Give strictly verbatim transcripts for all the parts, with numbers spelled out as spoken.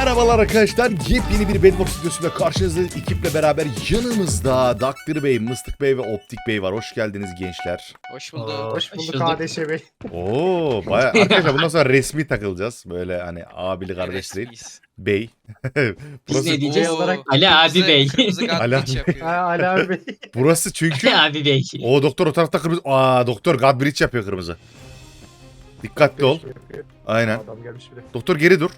Merhabalar arkadaşlar, yepyeni bir Bedbox videosuyla karşınızda ekiple beraber yanımızda Daktir Bey, Mıstık Bey ve Optik Bey var. Hoş geldiniz gençler. Hoş bulduk. Aa, Hoş hoş bulduk bulduk. kardeşe bey. Oo, baya arkadaşlar bundan sonra resmi takılacağız. Böyle hani abili kardeş değil. Resmiyiz. Bey. Biz ne diyeceğiz? Oo, olarak Ali abi kırmızı- bey. Kırmızı Ali gadbridge abi. yapıyor. Ha Ali abi bey. Burası çünkü Ali abi bey. o doktor o tarafta kırmızı. Aa, doktor Godbridge yapıyor kırmızı. Dikkatli ol. Aynen. Adam gelmiş bile. Doktor geri dur.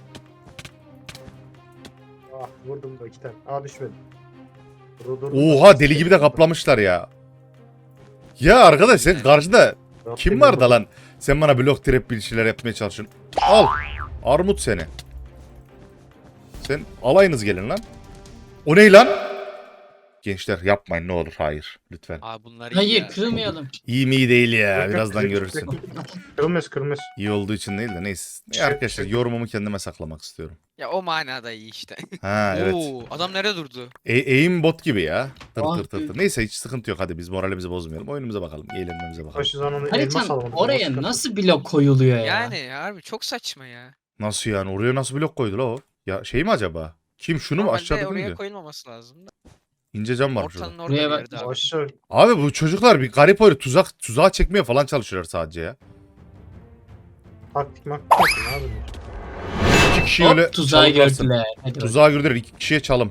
Ah vurdum da iki tane. Aa düşmedi. Dur, dur, dur. Oha, deli gibi de kaplamışlar ya. Ya arkadaş sen karşıda Rabbim kim var da benim. lan? Sen bana blok trap bir şeyler yapmaya çalışıyorsun. Al. Armut seni. Sen alayınız gelin lan. O ne lan? Gençler yapmayın ne olur, hayır lütfen. Aa bunlar iyi Hayır ya. kırılmayalım. İyi mi iyi değil ya, Yok, yok, birazdan yok, görürsün. yok. Kırılmaz kırılmaz. İyi olduğu için değil de neyse. Şey- Ya arkadaşlar yorumumu kendime saklamak istiyorum. Ya o manada iyi işte. Ha evet. Oo, adam nerede durdu? E aim bot gibi ya. Tır Ah. tır tır tır. Neyse hiç sıkıntı yok, hadi biz moralimizi bozmayalım. Oyunumuza bakalım, eğlenmemize bakalım. Başı zaman onu elmas Haritanın alamadım. oraya nasıl blok koyuluyor ya? Yani harbi çok saçma ya. Nasıl yani, oraya nasıl blok koydu la o? Ya şey mi acaba? Kim şunu mu Normalde aşağıda oraya mıydı? koyulmaması lazım da. İnce cam var şurada. Ortanın orada Buraya bir bak- yerde abi. Aşağı. Abi bu çocuklar bir garip öyle tuzak tuzağa çekmeye falan çalışıyorlar sadece ya. Taktik maktik yapın abi. İki kişi Hop, öyle tuzağı çalıklarsın. gördüler. Hadi bakalım. Tuzağa girdiler, iki kişiye çalım.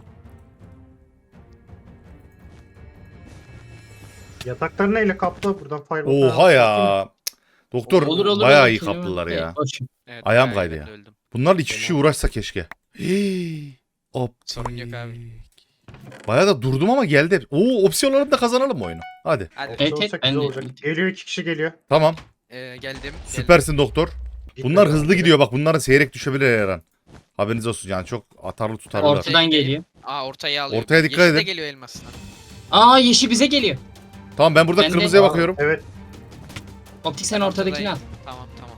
Yatakları neyle kaplı? Buradan fireball. Oha ya. Cık. Doktor Olur, olur, bayağı olur. iyi Kelime- kaplılar ya. Boş. Evet, Ayağım bayağı kaydı ben ya. de öldüm. Bunlar iki kişi Fena. uğraşsa keşke. Hii. Optik. Sorun yok abi. Bayağı da durdum ama geldi. Oo, opsiyonlarını da kazanalım oyunu. Hadi. Hadi Evet, olsak evet, ben güzel de- olacak. Geliyor iki kişi geliyor. Tamam. ee, geldim. Süpersin doktor. Gitmedi Bunlar abi. hızlı gidiyor bak. Bunların seyrek düşebilir her an. Haberiniz olsun yani, çok atarlı tutarlılar. Ortadan geliyor. Aa ortaya alıyor. Ortaya dikkat Yeşil de edin. geliyor elmasına. Aa yeşil bize geliyor. Tamam ben burada Ben de- kırmızıya Aa, bakıyorum. Evet. Optik sen ortadakini al. Tamam tamam.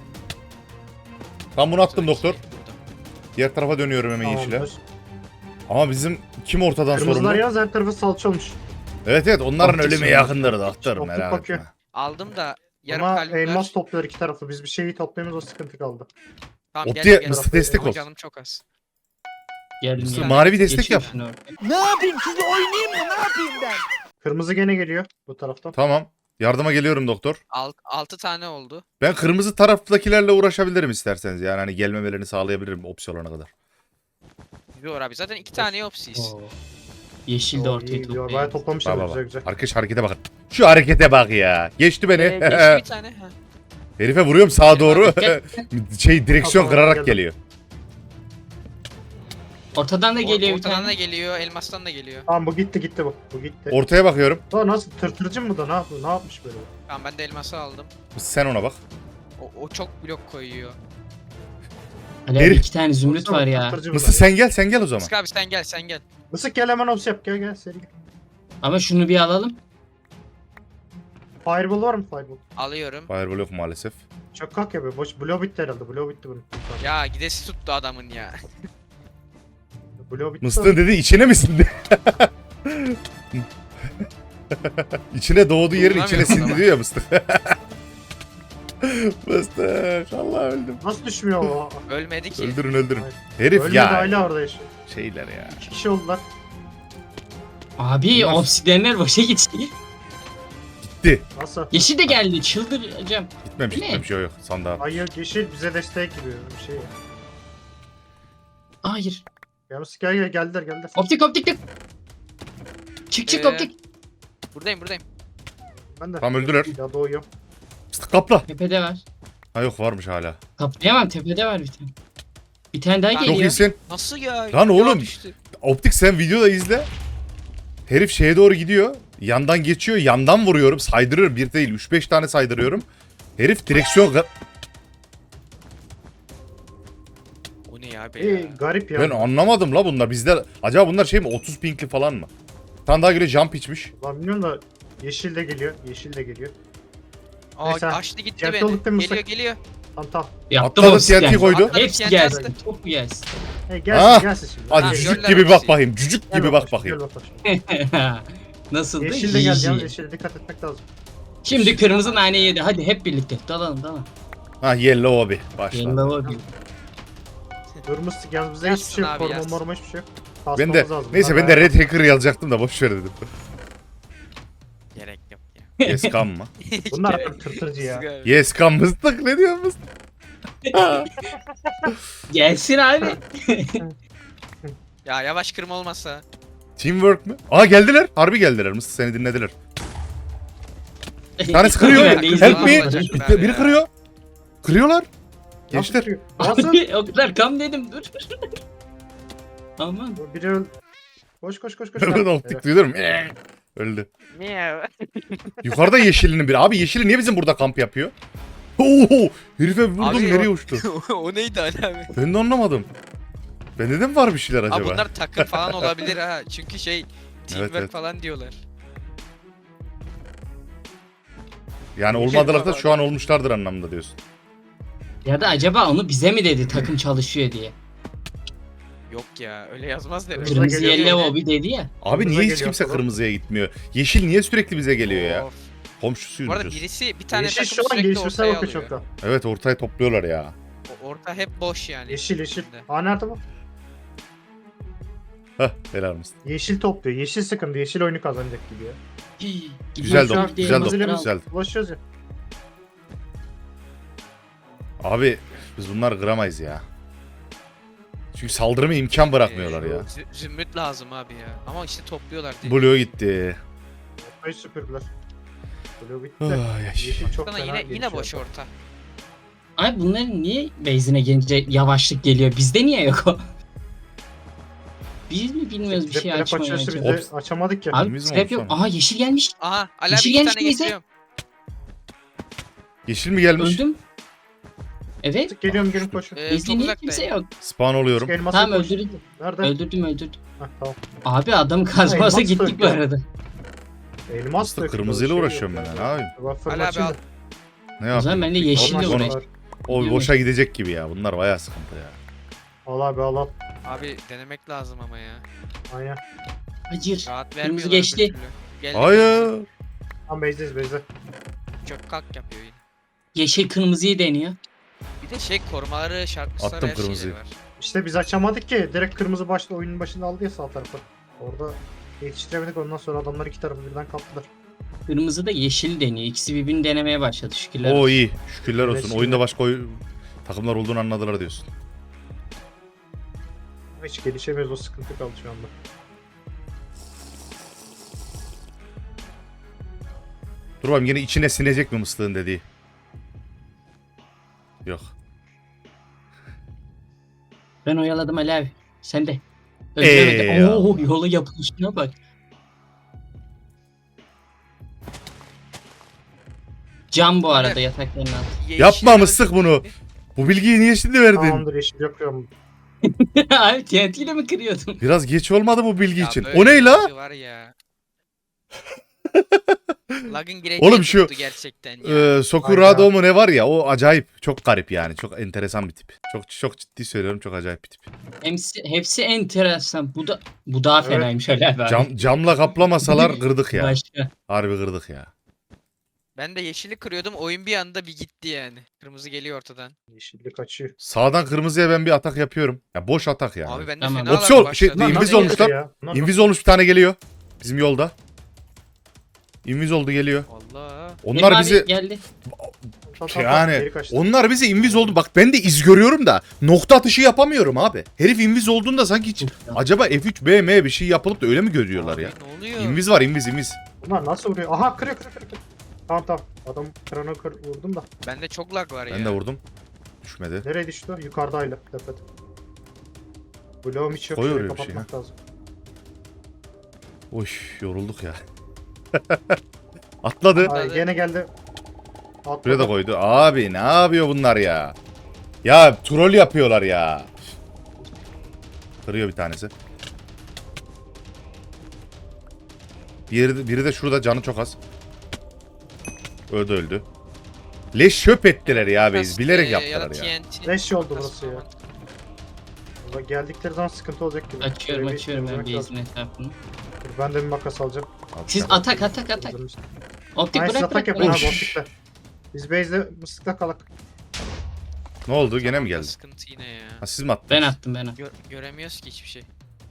Tam bunu attım doktor. Burada. Diğer tarafa dönüyorum hemen yeşile. Tamamdır. Ama bizim kim ortadan Kırmızılar sorumlu? yaz her tarafı salça olmuş. Evet evet, onların Optik ölümü sorumlu. yakındır doktor, Optik merak bakıyor. etme. Aldım da yarım Ama kalbim var. elmas topluyor iki tarafı. Biz bir şeyi toplayamıyoruz, o sıkıntı kaldı. Tamam, Optiğe gel, gel. mısır destek Ama ol. Canım çok az. Geldim Mısır ya. manevi destek Geçiyor yap. şunu ortaya. Ne yapayım, sizi oynayayım mı? Ne yapayım ben? Kırmızı gene geliyor bu taraftan. Tamam. Yardıma geliyorum doktor. Alt, altı tane oldu. Ben kırmızı taraftakilerle uğraşabilirim isterseniz. Yani hani gelmemelerini sağlayabilirim opsiyonuna kadar. Yok abi zaten iki tane opsiyiz. Oo. Yeşil de Oo, ortaya iyi, topluyor. Bayağı toplamışlar Bak bak güzel bak. güzel. Arkadaş harekete bakın. Şu harekete bak ya. Geçti beni. Ee, geçti bir tane. Ha. Herife vuruyorum sağa doğru. Gel. şey direksiyon Tamam, kırarak geldim. geliyor. Ortadan da geliyor bir Ortadan da tane. geliyor, elmastan da geliyor. Tamam bu gitti gitti bu. Bu gitti. Ortaya bakıyorum. Daha nasıl tırtırcı mı da ne yapıyor? Ne yapmış böyle? Tamam ben de elması aldım. Sen ona bak. O, o çok blok koyuyor. Ali abi Herif. iki tane zümrüt Baksana, var ya. tırtırcı Mısır bunlar ya. sen gel sen gel o zaman. Sık abi sen gel sen gel. Mısık gel hemen ops yap gel gel seri gel. Ama şunu bir alalım. Fireball var mı fireball? Alıyorum. Fireball yok maalesef. Çok kalk ya be. Boş blow bitti herhalde. Blow bitti bunun. Ya gidesi tuttu adamın ya. Blow bitti. Mıstığın dedi içine misin de. içine doğduğu yerin içine Kullanamıyorum sindi ama. diyor ya mıstık. Mıstık. Allah öldüm. Nasıl düşmüyor o? Ölmedi ki. Öldürün öldürün. Hayır. Herif Ölmedi ya. hala orada yaşıyor. Şeyler ya. İki kişi oldular. Abi Bunlar- obsidiyenler boşa gitti. Gitti. Nasıl? Yeşil de geldi çıldıracağım. Gitmemiş Ne? gitmemiş yok yok. Sandığa. Hayır yeşil bize destek gibi bir şey. Hayır. Ya Mısık gel gel geldiler geldiler. Optik optik de. Çık çık Ee, optik. Buradayım buradayım. Ben de. Tam öldüler. Ya doğuyor. Mıstık kapla. Tepede var. Ha yok varmış hala. Kaplayamam tepede var bir tane. Bir tane daha Çok Çok geliyor. iyisin. Nasıl ya? Lan Ya oğlum. düştü. Optik sen videoda izle. Herif şeye doğru gidiyor. Yandan geçiyor. Yandan vuruyorum. Saydırıyorum. Bir değil. Üç beş tane saydırıyorum. Herif direksiyon... O ne ya be İyi ya? garip ya. Ben anlamadım la bunlar. Bizde acaba bunlar şey mi? otuz pinkli falan mı? Bir tane daha göre jump içmiş. Lan bilmiyorum da yeşil de geliyor. Yeşil de geliyor. Aa Neyse, açtı gitti cepte beni. olduk değil mi Geliyor Musak? geliyor. Tamam tamam. Yaptım Atladı obsidiyen. T N T koydu. Atladı. Hepsi T N T gelsin. attı. Çok mu gelsin? Hey gelsin Ah! gelsin şimdi. Hadi Ha, Gel, cücük göller gibi bak hepsi. bakayım. Cücük gel gibi bak bak bakayım. Gel bak. Nasıldı? Yeşil de geldi Easy. yalnız yeşile dikkat etmek lazım. Şimdi kırmızı nane yedi. Hadi hep birlikte. Dalalım dalalım. Ha yellow abi. Başla. Yellow abi. Dur mıstık yalnız bizde hiçbir şey yok. Yatsın abi, Koruma yatsın. morma hiçbir şey yok. Ben Kasmamız de lazım. neyse Bunlar ben de bayağı- Red Hacker yazacaktım da boş ver dedim. Gerek yok ya. Yes kam mı? Bunlar Gerek- abi tırtırcı ya. Yes kam mıstık ne diyor mıstık? Gelsin abi. Ya yavaş kırma olmasa. Teamwork mü? Aa geldiler. Harbi geldiler. Mıstık seni dinlediler. Bir tanesi kırıyor. Ben de Help izledim. me. Yapacaklar Bir- Biri ya. kırıyor. Kırıyorlar. Nasıl Gençler. kırıyor? Nasıl? Abi o kadar kam dedim dur. Aman. Biri öl... Koş koş koş koş. Ben Ha, optik evet. duyuyorum. Öldü. Niye? Yukarıda yeşilinin biri. Abi yeşili niye bizim burada kamp yapıyor? Oo, herife vurdum Abi nereye o- uçtu? O neydi Ali abi? Ben de anlamadım. Bende de mi var bir şeyler acaba? Abi bunlar takım falan olabilir ha. Çünkü şey teamwork evet. falan diyorlar. Yani Yeşil olmadılar da falan. şu an olmuşlardır anlamında diyorsun. Ya da acaba onu bize mi dedi takım çalışıyor diye. Yok ya öyle yazmaz derim. Kırmızı Kırmızı geliyor. yelle o bir dedi ya. Abi Kırmızı niye hiç geliyor kimse falan. kırmızıya gitmiyor? Yeşil niye sürekli bize geliyor ya? Of. Komşusuyuz Bu arada biz. birisi bir tane Yeşil takım şu an sürekli gelişmişler ortaya bakıyor alıyor. çok da. Evet ortaya topluyorlar ya. O- Orta hep boş yani. Yeşil yeşil. içinde. Aa nerede bu? Hah helal mısın? Yeşil topluyor. Yeşil sıkıntı. Yeşil oyunu kazanacak gibi ya. Hii, Güzel gidiyor dok, şu an güzel diye dok, bakın güzel. Ulaşıyoruz ya. Abi biz bunları kıramayız ya. Çünkü saldırıma imkan bırakmıyorlar Ee, ya. zü- Zümrüt lazım abi ya. Ama işte topluyorlar değil. Blue gitti. Ortayı süpürdüler. Blue bitti de. Ay, ay. Yeşil çok Sana fena yine yine gelişiyor. boş orta. Abi bunların niye base'ine gelince yavaşlık geliyor? Bizde niye yok o? Biz mi bilmiyoruz bir Trap şey trap açmayı açıyorsa acaba? biz de açamadık ya. Abi Biz mi trap yok. olsana? Aha yeşil gelmiş. Aha Ali abi Yeşil iki gelmiş tane bize. getiriyorum. Yeşil mi gelmiş? Öldüm. Evet. Geliyorum gelin koşun. Ee, Bizde çok niye uzaktayım. kimse yok? Spawn oluyorum. Elması Tamam koş. öldürdüm. Nerede? Öldürdüm öldürdüm. Heh, tamam. Abi adam kazmasa Elmas gittik bu döktü. arada. Elmas Aslında döküyor, kırmızıyla şey uğraşıyorum yok ben ya. ya. Ne yapayım? Bak Ali abi fırlatayım al. da. Ne O zaman yapayım? ben de yeşille Olmaz, uğraşayım. olmaz. O boşa gidecek gibi ya. Bunlar bayağı sıkıntı ya. Al abi al al. Abi denemek lazım ama ya. Aynen. Hayır. Rahat Kırmızı vermiyorlar geçti. bir türlü. Geldi Hayır. kırmızı. Tam base'deyiz base'de. Çök kalk yapıyor yine. Yeşil kırmızıyı deniyor. Bir de şey korumaları, şartmışlar Attım her kırmızıyı. şeyleri var. İşte biz açamadık ki. Direkt kırmızı başlı oyunun başında aldı ya sağ tarafı. Orada yetiştiremedik ondan sonra adamlar iki tarafı birden kaptılar. Kırmızı da yeşil deniyor. İkisi birbirini denemeye başladı şükürler O olsun. iyi. Şükürler Evet, olsun. şimdi- Oyunda başka oy- takımlar olduğunu anladılar diyorsun. Hiç gelişemiyoruz o sıkıntı kaldı şu anda. Dur bakayım yine içine sinecek mi mıslığın dediği. Yok. Ben oyaladım Ali abi. Sen de. Eyvallah. Öldüremedi. Oo yola yapılışına bak. Cam bu arada yatakların altı. Yeşil Yapma öldü. mıslık bunu. Bu bilgiyi niye şimdi verdin? Tamamdır yeşil yapıyorum. Abi T N T ile mi kırıyordun? Biraz geç olmadı bu bilgi Ya için. böyle O ne bir la? şey Var ya. Lag'ın gireceği Oğlum şu, tuttu gerçekten ya. Ee, Sokurado mu ne var ya o acayip çok garip yani çok enteresan bir tip. Çok çok ciddi söylüyorum çok acayip bir tip. Hepsi, hepsi enteresan. Bu da bu daha Evet. fenaymış Ali abi. Cam, camla kaplamasalar kırdık ya. Başka. Harbi kırdık ya. Ben de yeşili kırıyordum oyun bir anda bir gitti yani. Kırmızı geliyor ortadan. Yeşillik kaçıyor. Sağdan kırmızıya ben bir atak yapıyorum. Ya boş atak yani. Abi ben de Tamam. fena Opsiyon, lag şey, başladı. değil, Bunlar inviz nasıl olmuşlar. geçiyor ya? Bunlar Inviz olmuş bir tane geliyor. Bizim yolda. Inviz oldu geliyor. Allah. Onlar Benim abi bizi geldi. Tamam, tamam, tamam, yani geri kaçtı. onlar bizi inviz oldu. Bak ben de iz görüyorum da nokta atışı yapamıyorum abi. Herif inviz olduğunda sanki hiç acaba F üç B M bir şey yapılıp da öyle mi görüyorlar Abi ya? Ne oluyor? İnviz var inviz inviz. Bunlar nasıl vuruyor? Aha kırıyor kırıyor kırıyor. kırıyor. Tamam tamam. Adam krana kır, vurdum da. Bende çok lag var ya. Ben de vurdum. Düşmedi. Nereye düştü? Yukarıdayla. Tepede. Bloğum hiç yok. Koy Şurayı oraya bir şey, kapatmak lazım. Oy yorulduk ya. Atladı. Ay, gene geldi. Atladı. Buraya da koydu. Abi ne yapıyor bunlar ya? Ya troll yapıyorlar ya. Kırıyor bir tanesi. Biri, biri de şurada canı çok az. Öldü öldü. Leş şöp ettiler ya biz. Bilerek Ee, yaptılar da ya. T N T. Leş oldu burası ya. Burada geldikleri zaman sıkıntı olacak gibi. Açıyorum Şöyle bir açıyorum ben temizlemek lazım. base'in etrafını. Dur, ben de bir makas alacağım. Siz Alacağım. atak atak atak. Hazırmış. Optik Hayır siz bırak atak bırak yapın bırak. abi optikle. Biz base'de mıslıkla kalak. Ne oldu? Gene mi Tamam da geldi? Sıkıntı yine ya. Ha, siz mi attınız? Ben attım ben attım. Gö- göremiyoruz ki hiçbir şey.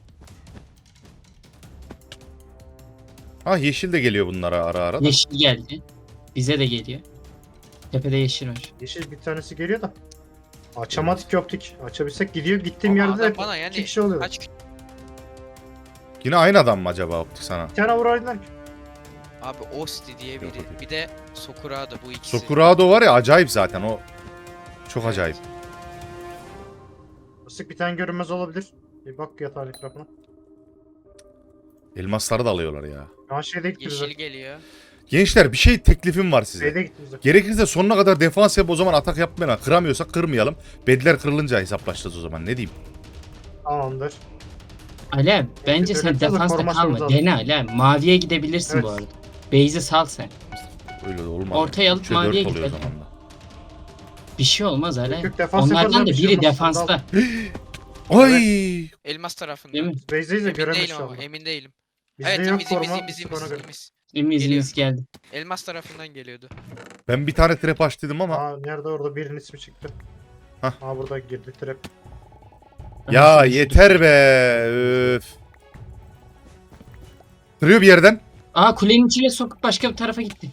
Ha yeşil de geliyor bunlara ara ara da. Yeşil geldi. Bize de geliyor. Tepede yeşil var. Yeşil bir tanesi geliyor da. Açamadık ki optik. Açabilsek gidiyor. Gittiğim Ama yerde adam de bana iki yani kişi oluyor. kaç Yine aynı adam mı acaba optik sana? Bir tane vuraydılar ki. abi Osti diye Yok, biri. o değil. Bir de Sokurado bu ikisi. Sokurado var ya acayip zaten o. Çok acayip. Isık bir tane görünmez olabilir. Bir bak yatağın etrafına. Elmasları da alıyorlar ya. Şu an şeyde gitti bize. Yeşil geliyor. Gençler bir şey teklifim var size. Şeyde gitti bize. Gerekirse sonuna kadar defans yap o zaman atak yapmayalım. Kıramıyorsak kırmayalım. Bedler kırılınca hesaplaşacağız o zaman ne diyeyim. Tamamdır. Alem bence öyle sen yapacağız da defansta korumasımız kalma. lazım. Dene Alem. Maviye gidebilirsin Evet. bu arada. Base'i sal sen. Öyle de olmaz. Ortaya alıp Üçe maviye dört oluyor o gidelim. zaman da. Bir şey olmaz Alem. Yok, yok, defans yaparız Onlardan abi, da bir şey biri olmaz. defansta. Ay! Elmas tarafında. Değil mi? Base'deyiz de Emin göremeyiz değilim şu ama anda. emin değilim. Bizde evet yok imiz imiz koruma. imiz Isık imiz ona göre. imiz. İmiz Geliyor. imiz geldi. Elmas tarafından geliyordu. Ben bir tane trap açtıydım ama. Aa nerede orada birinin ismi çıktı. Hah. Aa burada girdi trap. Ya Aha, yeter be. Öf. Kırıyor bir yerden. Aa kulenin içine sokup başka bir tarafa gitti.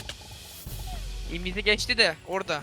İmizi geçti de orada.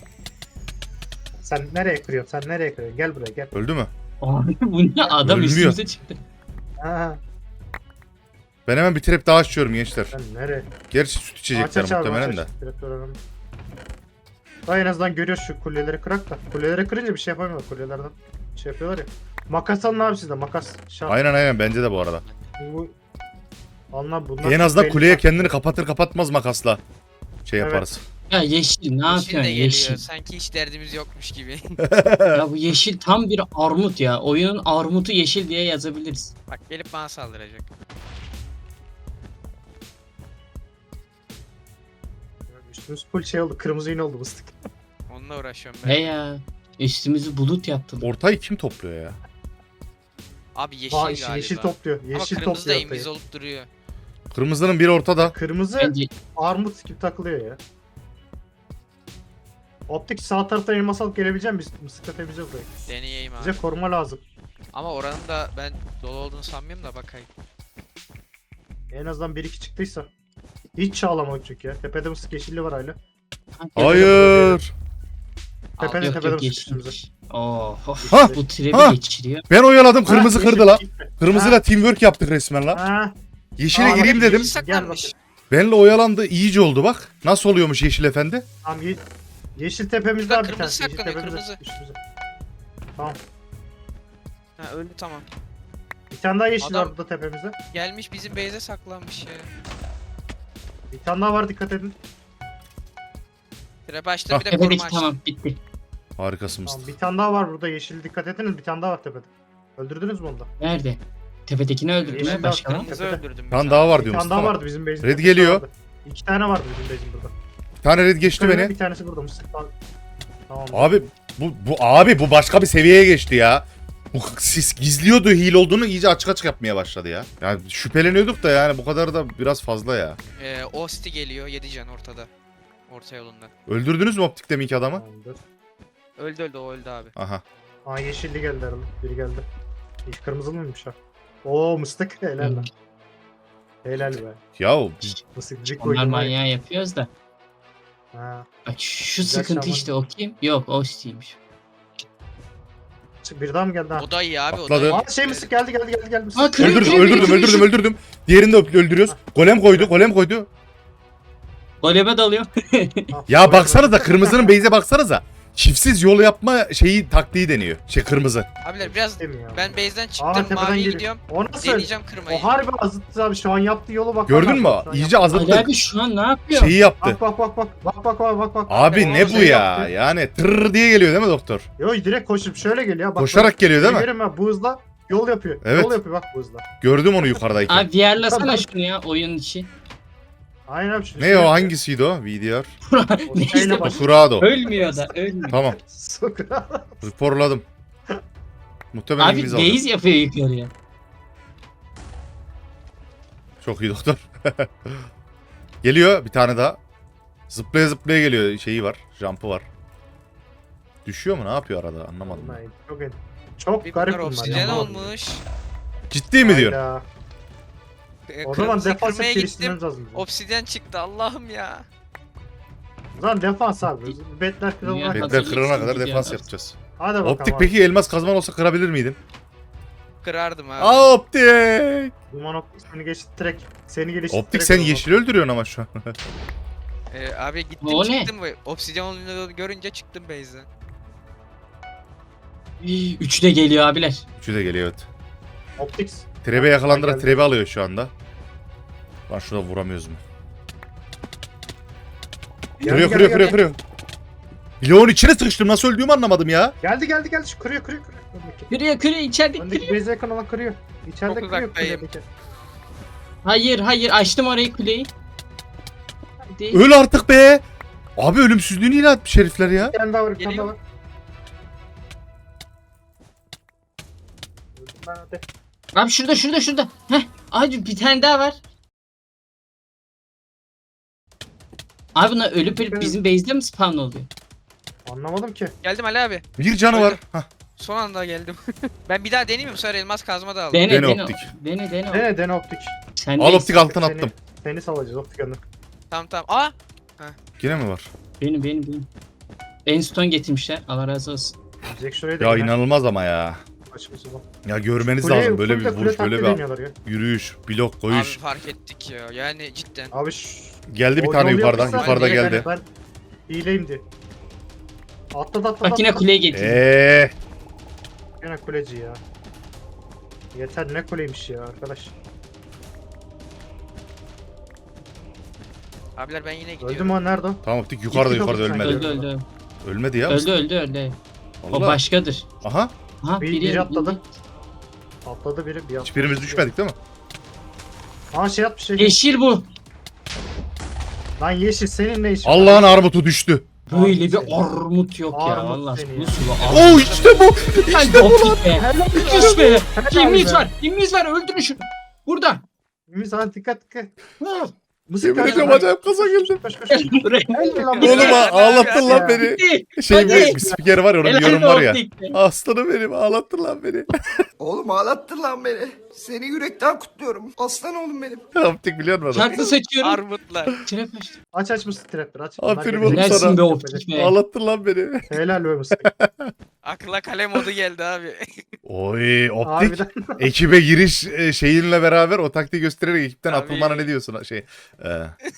Sen nereye kırıyorsun? Sen nereye kırıyorsun? Gel buraya gel. Öldü mü? Abi bu ne adam Ölmüyor. üstümüze çıktı. Ha, Ben hemen bir trap daha açıyorum gençler. sen nereye? Gerçi süt içecekler Aç aç abi, muhtemelen aç de. aç. Trap önemli. Daha en azından görüyoruz şu kuleleri kırak da. Kuleleri kırınca bir şey yapamıyorlar kulelerden. Şey yapıyorlar ya. Makas alın abi sizde makas. Şart. Aynen aynen bence de bu arada. Bu... Anla bunlar. En azından belli kuleye bak. kendini kapatır kapatmaz makasla şey Evet. yaparız. Ya yeşil ne Yeşil de yapıyorsun geliyor. yeşil? Sanki hiç derdimiz yokmuş gibi. Ya bu yeşil tam bir armut ya. Oyunun armutu yeşil diye yazabiliriz. Bak gelip bana saldıracak. Üstümüz full şey oldu. Kırmızı iğne oldu mıstık. Onunla uğraşıyorum ben. He ya. Üstümüzü bulut yaptılar. Ortayı kim topluyor ya? Abi yeşil Aa galiba. yeşil topluyor. Ama Yeşil kırmızı da topluyor. imiz ortayı. olup duruyor. Kırmızının biri ortada. Kırmızı Bence armut gibi takılıyor ya. Optik sağ taraftan elmas alıp gelebilecek misin? Mısıkla temizle burayı. Deneyeyim abi. Bize koruma lazım. Ama oranın da ben dolu olduğunu sanmıyorum da bakayım. En azından bir iki çıktıysa. Hiç çağlamadık çünkü ya. Tepede mısık yeşilli var hala. Hayır. Tepede yok tepede yok mısık üstümüze. yeşilmiş. Oh, of. Ha! Bu Ha! trebi geçiriyor. Ben oyaladım kırmızı Ha, kırdı yeşil la. gitti. Kırmızıyla teamwork yaptık resmen la. Ha, Yeşile Aa, gireyim bak, dedim. Yeşil Gel saklanmış. bakayım. Benle oyalandı iyice oldu bak. Nasıl oluyormuş yeşil efendi? tamam ye yeşil tepemizde Şurada abi bir kırmızı tanesi. Yeşil saklanıyor, tepemizde. kırmızı. Üstümüze. Tamam. Ha öldü tamam. Bir tane daha yeşil Adam- var burada tepemizde. Gelmiş bizim base'e saklanmış ya. Bir tane daha var dikkat edin. Trap açtım Ah. bir de koruma Tepedeki açtım. tamam bitti. Harikasın Tamam, Mustafa. bir tane daha var burada yeşil dikkat ediniz. Bir tane daha var tepede. Öldürdünüz mü onu da? Nerede? Tepedekini öldürdü Yeşil mü? Başka var mı? Kırmızı Tepede. öldürdüm. Bir tane daha var Bir diyor tane daha Mustafa. vardı bizim base'in. Red tepesinde geliyor. vardı. İki tane vardı bizim base'in burada. Bir tane red geçti Bir, beni. bir tanesi burada mısık. Tamam. Tamam. Abi bu, bu abi bu başka bir seviyeye geçti ya. Bu sis gizliyordu hile olduğunu iyice açık açık yapmaya başladı ya. Yani şüpheleniyorduk da yani bu kadar da biraz fazla ya. Ee, Osti geliyor yedi can ortada. Orta yolundan. Öldürdünüz mü optik deminki adamı? Tamamdır. Öldü öldü o öldü abi. Aha. Aa yeşilli geldi herhalde. Biri geldi. Hiç kırmızılı mıymış ha? Oo mıstık helal lan. Helal be. Ya Mıstık bir Onlar koydum. var ya. manyağı yapıyoruz da. Ha. Bak şu Güzel sıkıntı şaman. işte o kim? Yok o Steve'miş. Bir daha mı geldi ha? O da iyi abi o Atladı. da iyi. Aa şey mıstık geldi geldi geldi geldi. Aa, Mıstık. kırıyor, öldürdüm kırıyor, öldürdüm kırıyor, öldürdüm kırıyor. öldürdüm. Diğerini de öp- öldürüyoruz. Golem koydu golem koydu. Golebe dalıyor. Ah, Ya koydum. baksanıza kırmızının base'e baksanıza. Çiftsiz yol yapma şeyi taktiği deniyor. Şey kırmızı. Abiler biraz Değil mi ya? ben base'den Aa çıktım tepeden maviye geliyor. gidiyorum. O nasıl? Deneyeceğim kırmayı. O harbi azıttı abi şu an yaptığı yolu bak. Gördün mü? Şu an İyice yaptı. Ali azalttık. abi şu an ne yapıyor? Şeyi yaptı. Bak bak bak bak bak bak bak bak bak. Abi Bak, ne o bu şey ya? yaptı. Yani tırr diye geliyor değil mi doktor? Yo direkt koşup şöyle geliyor. Bak, Koşarak geliyor değil mi? Görüyorum ha bu hızla yol yapıyor. Evet. Yol yapıyor bak bu hızla. Gördüm onu yukarıdayken. Abi VR'lasana Tamam. şunu ya oyun içi. Aynen abi. şunu Ne şöyle o yapıyor. hangisiydi o? V D R. O Neyse şeyle bak. baş- Kurado. Ölmüyor da ölmüyor. Tamam. Sokağa. Raporladım. Muhtemelen Abi İngiliz aldı. base yapıyor yukarıya. Çok iyi doktor. Geliyor bir tane daha. Zıplaya zıplaya geliyor şeyi var. Jump'ı var. Düşüyor mu? Ne yapıyor arada? Anlamadım. ben. Vallahi Çok, çok Bir garip bunlar bunlar. obsidyen ya. olmuş. Ciddi mi diyor? Hayda. E, O zaman kırmızıyı defans kırmaya hep gittim. geliştirmemiz lazım. bizim. Obsidyen çıktı Allah'ım ya. O zaman defans abi. Betler kırılana Dünya kadar. Betler kırılana kadar Hazırlıksız defans gidiyor. yapacağız. Hadi bakalım Optik abi. peki elmas kazman olsa kırabilir miydin? Kırardım abi. Aa optik! Duman optik seni geçtirerek. Seni geliştirerek. Optik sen olmaz. yeşil öldürüyorsun ama şu an. E, abi gittim O ne? çıktım ve obsidyen olduğunu görünce çıktım base'den. İyi, Üçü de geliyor abiler. Üçü de geliyor evet. Optik. Trebe yakalandıra Geldi. trebe alıyor şu anda. Lan şuna vuramıyoruz mu? Geldi, Kırıyor geldi, kırıyor geldi. kırıyor kırıyor. Bloğun içine sıkıştım. Nasıl öldüğümü anlamadım ya. Geldi geldi geldi. Şu kırıyor kırıyor kırıyor. Öndeki. Kırıyor kırıyor içeride Öndeki kırıyor. base yakın olan kırıyor. İçeride Çok kırıyor uzaktayım. kuledeki. Hayır hayır açtım orayı kuleyi. Hadi. Öl artık be. Abi ölümsüzlüğünü ilan etmiş herifler ya. Bir tane daha var bir tane Geliyor. daha var. Öldüm ben hadi. Abi şurada şurada şurada. Heh. Abi bir tane daha var. Abi bunlar ölüp ölüp bizim base'de mi spawn oluyor? Anlamadım ki. Geldim Ali abi. Bir canı var. Öldü. Hah. Son anda geldim. Ben bir daha deneyeyim mi? Bu sefer elmas kazma da aldım. Dene Dene dene. optik. Dene dene. Dene dene optik. Sen Al optik altın Seni- attım. Seni salacağız optik önüne. Tamam tamam. Aa! Yine mi var? Benim benim benim. Enstone getirmişler. Allah razı olsun. Jack şuraya da Ya iner. inanılmaz ama ya. Açması bu. Ya görmeniz Kuleye- lazım. Böyle bir kule- kule vuruş, böyle taktiği bir deniyorlar ya. yürüyüş, blok Abi koyuş. fark ettik ya. Yani cidden. Abi şu... Geldi bir o tane yol yukarıdan. yapmışlar, Yukarıda direkt geldi. hani Ben hileyim diye. Atladı atladı. Bak yine atladı. kuleye getirdim. Eee. Yine kuleci ya. Yeter ne kuleymiş ya arkadaş. Abiler ben yine gidiyorum. Öldü mü o nerede o? Tamam optik yukarıda Gitti yukarıda kapı ölmedi. Öldü öldü. Ölmedi ya. Öldü öldü öldü. O Allah. başkadır. Aha. Ha Bir- biri, biri atladı. Atladı biri bir atladı. Hiçbirimiz düşmedik değil mi? Aa şey atmış şey. Yeşil bu. Lan yeşil senin ne işin? Allah'ın armutu düştü. Böyle bir seni. armut yok ya. Armut Allah seni bu ya. sulu Oo armut. işte bu. Hadi optik be. Sus be. Helal Kimimiz be. var. Kimimiz var. Öldürün şunu. Burada. Ümit sana dikkat dikkat. Ha. Mısır Yemin karşı- ediyorum acayip kaza geldi. Koş koş koş. Gel buraya. Helal lan Oğlum Mısır. ha, ağlattın lan Ya. beni. Gitti. Şey Hadi. bir, bir spiker var ya onun bir Helal yorum var ya. optik be. Aslanım benim ağlattın lan beni. Oğlum ağlattın lan beni. Seni yürekten kutluyorum. Aslan oğlum benim. Optik biliyor musun? Şarkı seçiyorum. Armutlar. Trap açtım. Aç aç Mısır trapleri aç. Aferin Bunlar oğlum gelecek. sana. Helalsin be optik be. Ağlattın lan beni. Helal be Mısır. Akla kale modu geldi abi. Oy optik. Harbiden. Ekibe giriş e, şeyinle beraber o taktiği göstererek ekipten Abi. atılmana ne diyorsun şey. E.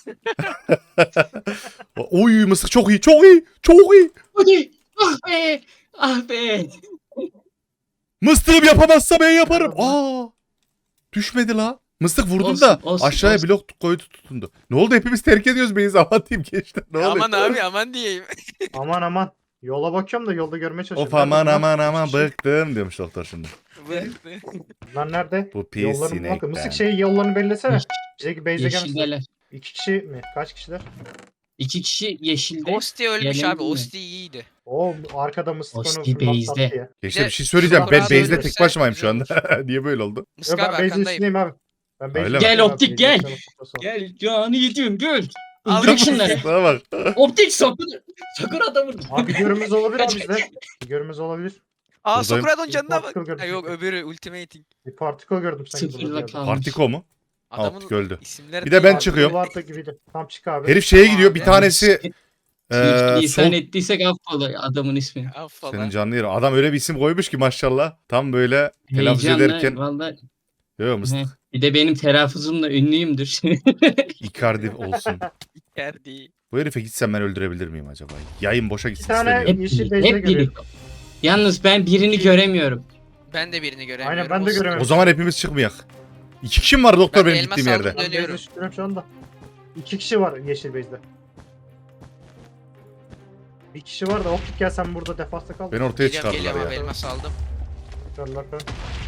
Oy mısık çok iyi çok iyi çok iyi. Hadi. Ah be. Ah be. Mıstığım yapamazsa ben yaparım. Aa. Düşmedi la. Mıstık vurdum Olsun, da olsun, aşağıya olsun. blok koydu tutundu. Ne oldu hepimiz terk ediyoruz beyiz aman diyeyim gençler ne oluyor? Aman abi aman diyeyim. Aman aman. Yola bakıyorum da yolda görmeye çalışıyorum. Of aman Nerede aman bunlar? aman İki kişi. bıktım diyormuş doktor şimdi. Bunlar nerede? Bu pis Yollarını bakın. sinekten. Mısık şey yollarını bellesene. Bizdeki base'e gelmesin. Yeşildeler. İki kişi mi? Kaç kişiler? İki kişi yeşilde. Osti ölmüş Gelelim abi. mi? Osti iyiydi. O arkada mısık onu Osti fırlattı base'de. attı ya. Gençler Bir bir de şey söyleyeceğim. Ben Şurada base'de ölürse tek başımayım şu güzel anda. Niye böyle oldu? Yo, Mıska ben abi base'in arkandayım. üstündeyim abi. Ben base'in Öyle mi? üstündeyim Gel abi. optik, Base'in gel. üstüne fotoğrafı. Gel canı yedim gül. Aldım. Öldürün şunları. Bana bak. Optik sakın. Sakın adamı. Abi görümüz olabilir abi bizde. Bir görümüz olabilir. Aa Buradayım. Sokrat'ın canına bak. Particle gördüm Ha, yok çünkü. öbürü ultimating. Bir particle gördüm sanki burada. Sıfırla bir yerde. kalmış. Partiko mu? Adamın Optik öldü. isimleri Bir de ben Particle çıkıyorum. vardı gibiydi. Tam çık abi. Herif şeye Tamam gidiyor. Bir abi. tanesi Ee, eee İhsan sol ettiysek affola adamın ismini. Affola. senin canlı yeri. Adam öyle bir isim koymuş ki maşallah. Tam böyle telaffuz Heyecanla ederken. valla. Yok mısın? He. Bir de benim telaffuzumla ünlüyümdür. Icardi olsun. Kerdi. Bu herife gitsem ben öldürebilir miyim acaba? Yayın boşa Bir gitsin tane istemiyorum. hep yeşil biri, base'e hep biri. görüyorum. Yalnız ben birini göremiyorum. Ben de birini göremiyorum. Aynen, ben de Osti. göremiyorum. O zaman hepimiz çıkmayak. İki kişi mi var doktor Ben de benim elmas gittiğim aldım. yerde? Ben Dönüyorum. base'e çıkıyorum şu anda. İki kişi var yeşil base'de. Bir kişi var da optik gel sen burada defansta kal. Beni ortaya Geliyorum çıkardılar geliyorum abi ya. elmas aldım. Çıkardılar falan.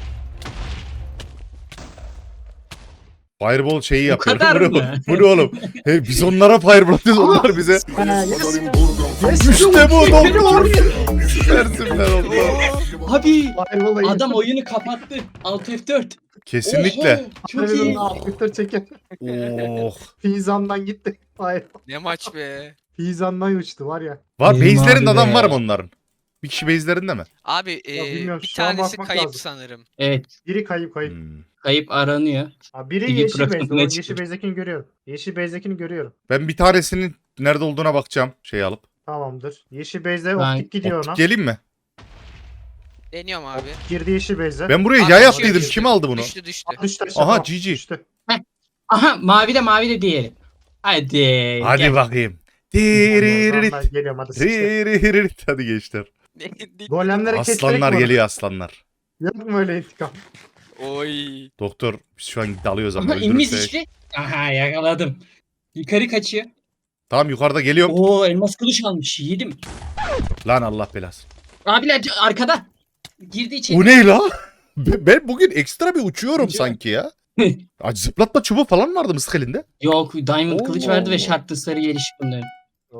Fireball şeyi Bu yapıyor. kadar Bu ne- mı? Bu ne oğlum? Hey, biz onlara fireball atıyoruz onlar bize. Ha, yes. İşte bu doktor. Süpersin be doktor. Abi Firewall'a adam oyunu kapattı. Alt F dört. Kesinlikle. Oho, çok iyi. Twitter çeken. Oh. Fizan'dan gitti. Hayır. Ne maç be. Fizan'dan uçtu var ya. Var Benim base'lerinde abi adam be. var mı onların? Bir kişi base'lerinde mi? Abi Ya e, bilmiyorum, bir şu an tanesi bakmak kayıp lazım. sanırım. Evet. Biri kayıp kayıp. Hmm. Kayıp aranıyor. Ha, biri T V yeşil base'de. O programına yeşil çıkıyor. base'dekini görüyorum. Yeşil base'dekini görüyorum. Ben bir tanesinin nerede olduğuna bakacağım şey alıp. Tamamdır. Yeşil base'de Ben- optik gidiyor ona. Optik geleyim mi? Deniyorum abi. Girdi yeşil base'e. Ben buraya Abi yay düşüyor, attıydım. düştü. Kim aldı bunu? Düştü düştü. Düştü aşağı. Aha, Tamam, G G. Düştü. Aha mavi de mavi de diğeri. Hadi. Hadi gel. bakayım. Tamam, Diriririt. ben geliyorum hadi sıçtı. Diriririt. Hadi gençler. Golemleri kestirek Aslanlar mi? geliyor aslanlar. Yok mu öyle intikam? Oy. Doktor biz şu an dalıyoruz ama Aha inmiş öldürürse. işte. Aha yakaladım. Yukarı kaçıyor. Tamam yukarıda geliyorum. Oo elmas kılıç almış. Yedim. Lan Allah belası. Abiler arkada. Girdi içeri. O ne la? Ben ben bugün ekstra bir uçuyorum Uçuyor. sanki ya. Acı zıplatma çubuğu falan vardı mısık elinde. Yok Diamond Oo. kılıç verdi ve şartlı sarı gelişip bunların. Oo.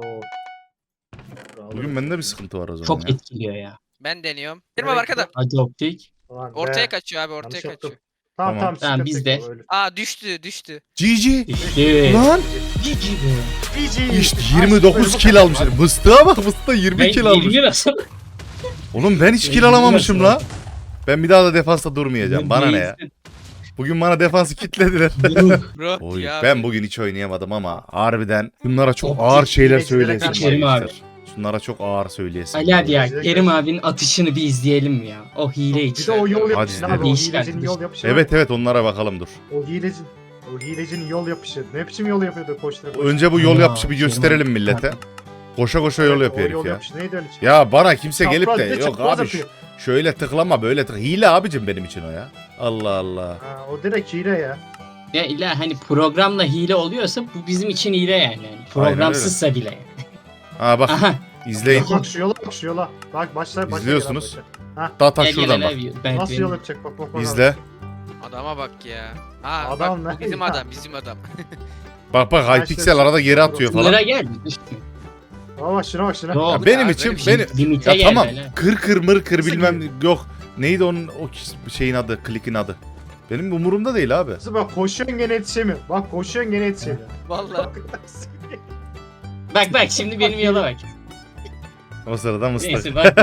Bugün bende bir sıkıntı var o zaman Çok ya. etkiliyor ya. Ben deniyorum. Girme Evet, arkada. Hadi optik. Ulan be. Ortaya kaçıyor abi ortaya Yanlış yaptım. kaçıyor. Tamam Tamam. tamam. Tamam, sıkıntı biz yok, de. öyle. Aa düştü düştü. G G. İşte. Lan Cici be. G G. işte yirmi dokuz kill almış. Mıstığa bak mıstığa yirmi Ben kill almış. yirmi nasıl? Oğlum ben hiç Ben kill yirmi alamamışım nasıl? la. Ben bir daha da defansta durmayacağım. Bana ne ya? Bugün bana defansı kitlediler. Bro Oy, ya. ben bugün hiç oynayamadım ama harbiden bunlara çok Optik ağır şeyler hilecilere söyleyesim karşı var Kerim abi. gençler. Şunlara çok ağır söyleyesim. Ali hadi ya. Bize Kerim göre- abinin atışını bir izleyelim mi ya? O hile Bir için. de o yol Hadi yapışı izleyelim. abi. O Değişik hilecinin arkadaş. yol yapışı. Evet evet onlara bakalım dur. O hilecinin. O hilecinin yol yapışı. Ne biçim yol yapıyordu koştura koştura. Önce bu yol Aa, yapışı bir Kerim gösterelim abi. millete. Koşa koşa yol Evet, yapıyor o yol herif ya. yapışı neydi öyle şey? Ya bana kimse gelip Çapraz de bir yok çapraz abi şu- yapıyor. şöyle tıklama böyle tık. Hile abicim benim için o ya. Allah Allah. Ha, o direkt hile ya. Ya illa hani programla hile oluyorsa bu bizim için hile yani. yani programsızsa bile. Ha bak Aha. izleyin. Bak şu yola bak şu yola. Bak başlar başlar. İzliyorsunuz. Ha, Daha ta Gel, gel, şuradan gel bak. abi, Ben, nasıl benim- yol yapacak bak bak bak. İzle. Adama bak ya. Ha Adam bak bu ne bizim ya? adam bizim adam. Bak bak Ben Hypixel şöyle- arada geri atıyor Sınıra falan. gel. Aa bak şuna bak şuna. Yok. Ya benim Abi, için böyle bir şey beni Limite ya gel tamam böyle. kır kır mır kır Nasıl bilmem yok. Neydi onun o şeyin adı, klikin adı. Benim umurumda değil abi. Kızım bak koşuyorsun gene yetişemiyor. Bak koşuyorsun gene yetişemiyor. Vallahi. Bak bak şimdi benim yola bak. O sırada mıstık. Neyse bak.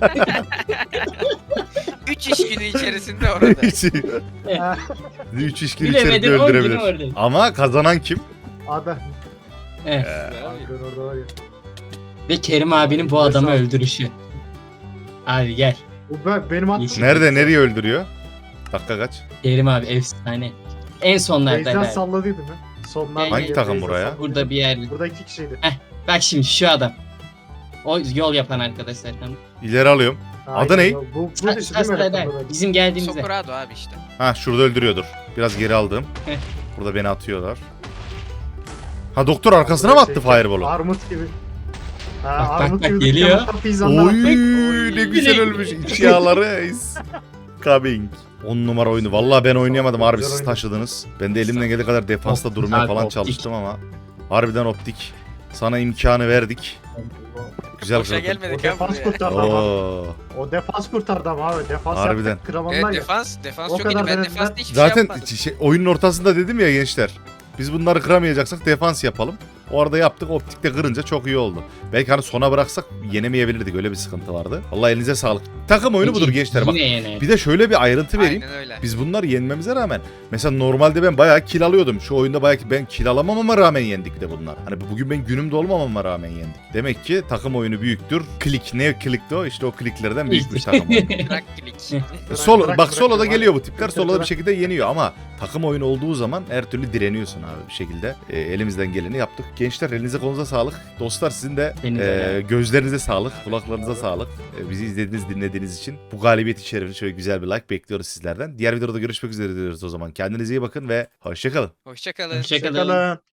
üç iş günü içerisinde orada. Ha, Üç işkin içerisinde Bilemedin on gün öldürebilir. orada. Ama kazanan kim? Abi. Evet. Abi orada var ya. Ve Kerim abinin bu adamı öldürüşü. Abi gel. Bu ben, benim at. Yeşil. Nerede nereye öldürüyor? Dakika kaç? Kerim abi efsane. En sonlarda Beyzden be. salladıydı mı? Sonlarda Hangi geldi, takım Beyzden buraya? salladı. Burada bir yerde. Burada iki kişiydi. Bak şimdi şu adam. O yol yapan arkadaşlar. Tamam. İleri alıyorum. Adı Aynen, ne? Bu, bu Sa- dışı değil mi? sa- öyle sa- burada? Bizim geldiğimizde. Soprado abi işte. Ha şurada öldürüyordur. Biraz geri aldım. Heh. Burada beni atıyorlar. Ha doktor arkasına mı attı Şey, fireball'u? Armut gibi. Ha, Bak, bak, armut bak, gibi geliyor. yanında pizzanlar. Oy Oy. ne güzel ölmüş. İç yağları is coming. on numara oyunu. Vallahi ben oynayamadım Çok harbi güzel siz oyun. taşıdınız. Ben de elimden geldiği kadar defansta Optik durmaya abi, falan optik. çalıştım ama harbiden optik. Sana imkanı verdik. Güzel Boşa kırdın. O gelmedik abi defans buraya. kurtardı ama. Oo. O defans kurtardı ama abi. Defans Harbiden. yaptık kramanlar Evet ya. defans. Defans O çok iyiydi. kadar Ben denediler. defansta hiçbir şey Zaten yapmadım. şey, oyunun ortasında dedim ya gençler. Biz bunları kıramayacaksak defans yapalım. Orada yaptık, optikte kırınca çok iyi oldu. Belki hani sona bıraksak yenemeyebilirdik, öyle bir sıkıntı vardı. Vallahi elinize sağlık. Takım oyunu budur gençler bak. Yine yener. Bir de şöyle bir ayrıntı vereyim. Aynen öyle. Biz bunları yenmemize rağmen mesela normalde ben bayağı kill alıyordum. Şu oyunda bayağı ben kill alamamama rağmen yendik de bunlar. Hani bugün ben günümde olmamama rağmen yendik. Demek ki takım oyunu büyüktür. Klik ne klikti o? İşte o kliklerden büyükmüş takım oyunu. Bırak klik. Solo, bırak, bak bırak, soloda bırak. geliyor bu tipler. Bırak, Soloda bir bırak. şekilde yeniyor ama takım oyunu olduğu zaman her türlü direniyorsun abi bir şekilde. E, elimizden geleni yaptık. Gençler elinize kolunuza sağlık. Dostlar sizin de Benim de. e, gözlerinize sağlık, kulaklarınıza sağlık. E, bizi izlediğiniz, dinlediğiniz için bu galibiyet şerefine şöyle güzel bir like bekliyoruz sizlerden. Diğer videoda görüşmek üzere diyoruz o zaman. Kendinize iyi bakın ve hoşçakalın. Hoşçakalın. Hoşçakalın. Hoşçakalın.